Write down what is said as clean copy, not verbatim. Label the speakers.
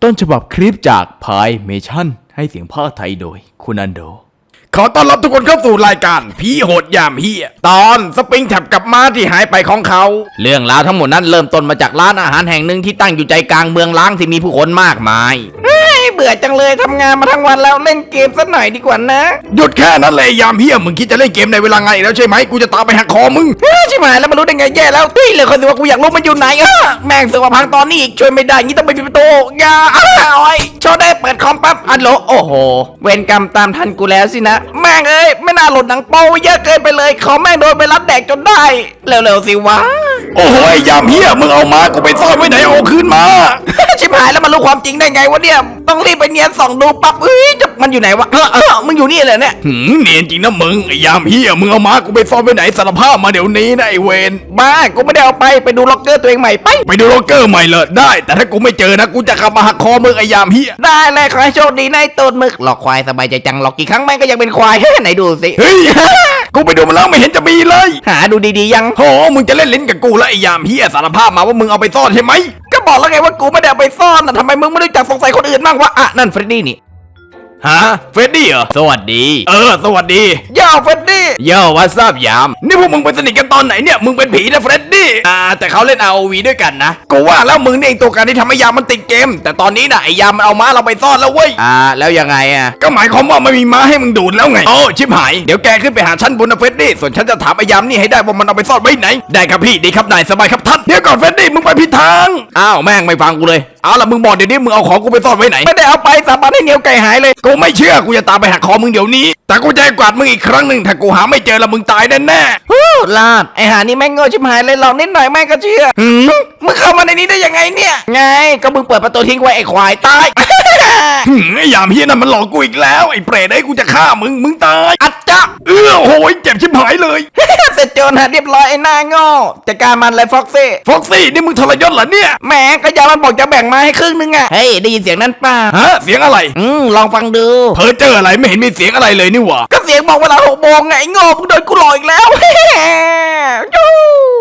Speaker 1: ต้นฉบับคลิปจากพายเมชั่นให้เสียงภาคไทยโดยคุณอันโด
Speaker 2: ขอต้อนรับทุกคนเข้าสู่รายการผีโหดยามเฮียตอนสปริงแท็บกับม้าที่หายไปของเขาเรื่องราวทั้งหมดนั้นเริ่มต้นมาจากร้านอาหารแห่งหนึ่งที่ตั้งอยู่ใจกลางเมืองล้างที่มีผู้คนมากมายเบื่อจังเลยทำงานมาทั้งวันแล้วเล่นเกมสักหน่อยดีกว่านะหยุดแค่นั้นเลยยามเฮียมึงคิดจะเล่นเกมในเวลาไงแล้วใช่ไหมกูจะตามไปหักคอมึงใช่ไหมแล้วมันรู้ได้ไงแย่แล้วตุ้ยเลยคนสิว่ากูอยากรู้มันอยู่ไหนแม่งเสือมาพังตอนนี้อีกช่วยไม่ได้งี้ต้องไปปิดประตูอย่าอ้อยโชว์ได้เปิดคอมปั๊บอัลโหลโอ้โหเวรกรรมตามทันกูแล้วสินะแม่งเอ้ยไม่น่าหลุดหนังโป้เยอะเกินไปเลยเขาแม่งโดนไปรัดแดกจนได้เร็วๆสิวะโอ้โหยามเฮียมึงเอามากูไปซ่อนไว้ไหนเอาคืนมา ชิบหายแล้วมันรู้ความจริงได้ไงวะเนี่ยต้องรีบไปเนียนส่องดูปั๊บมันอยู่ไหนวะมึงอยู่นี่เลยเนี่ยเนียนจริงนะมึงไอ้ยามเฮียมึงเอามากูไปซ่อนไว้ไหนสารภาพมาเดี๋ยวนี้นะไอ้เวนบ้ากูไม่ได้เอาไปดูล็อกเกอร์ตัวเองใหม่ไปดูล็อกเกอร์ใหม่เลยได้แต่ถ้ากูไม่เจอนะกูจะขับมาหักคอมึงไอ้ยามเฮียได้เลยขอให้โชคดีนายตูดมึกหลอกควายสบายใจจังหลอกกี่ครั้งแม่งก็ยังเป็นควายไหนดูสิเฮ้ย กูไปดูมาแล้วไม่เห็นจะมีเลยหาดูดีๆยังโหมึงจะเล่นลิ้นกับกูแล้วไอ้ยามเฮียสารภาพมาว่ามึงเอาไปซ่อนใช่ไหมก็บอกแล้วไงว่ากูไม่ได้เอาไปซ่อนนะทำไมมึงไม่รู้จักสงสัยคนอื่นบ้างวะนั่นเฟรดดี้นี่ฮะเฟรดดี้เหรอสวัสดีสวัสดีย่าเฟรดดี้ย่าวัทซับยามนี่พวกมึงไปสนิทกันตอนไหนเนี่ยมึงเป็นผีนะเฟรดดี้แต่เขาเล่น ROV ด้วยกันนะกูว่าแล้วมึงนี่เองตัวการที่ทำให้ยามมันติดเกมแต่ตอนนี้น่ะไอ้ยามมันเอาม้าเราไปซ่อนแล้วเว้ยแล้วยังไงก็หมายความว่ามันมีม้าให้มึงดูดแล้วไงโอ้ชิบหายเดี๋ยวแกขึ้นไปหาชั้นบนนะเฟรดดี้ส่วนฉันจะถามไอ้ยามนี่ให้ได้ว่ามันเอาไปซ่อนไว้ไหนได้ครับพี่ดีครับนายสบายครับท่านเดี๋ยวก่อนเฟรดดี้มึงไปผิดทางอ้าวแม่งไม่ฟังกูเลยเอาล่ะมึงบอกเดี๋ยวนี้มึงเอาของกูไปซ่อนไว้ไหนไม่ได้เอาไปสาบานให้เหนียวไก่หายเลยกูไม่เชื่อกูจะตามไปหักคอมึงเดี๋ยวนี้แต่กูจะกวาดมึงอีกครั้งหนึ่งถ้ากูหาไม่เจอแล้วมึงตายแน่ๆลาดไอหานี่แม่งโง่ชิบหายเลยลองนิดหน่อยแม่งก็เชื่อมึงเข้ามาในนี้ได้ยังไงเนี่ยไงก็มึงเปิดประตูทิ้งไว้ไอควายตายไอยามเฮียนั่นมันหลอกกูอีกแล้วไอเปรตไอ้กูจะฆ่ามึงตายอัดจ๊ะโอ้ยเจ็บชิบหายเลยเสร็จโจรหาเรียบร้อยไอ้หน้าโง่จัดการมันเลยฟ็อกซี่นี่มึงทรยศเหรอเนี่ยแหมก็ยามันบอกจะแบ่งมาให้ครึ่งนึงอะเฮ้ยได้ยินเสียงนั้นป่ะฮะเสียงอะไรลองฟังดูเพ้อเจออะไรไม่เห็นมีเสียงอะไรเลยนี่หว่าก็เสียงบอกเวลา6 โมงไงโง่มึงโดนกูหลอกอีกแล้ว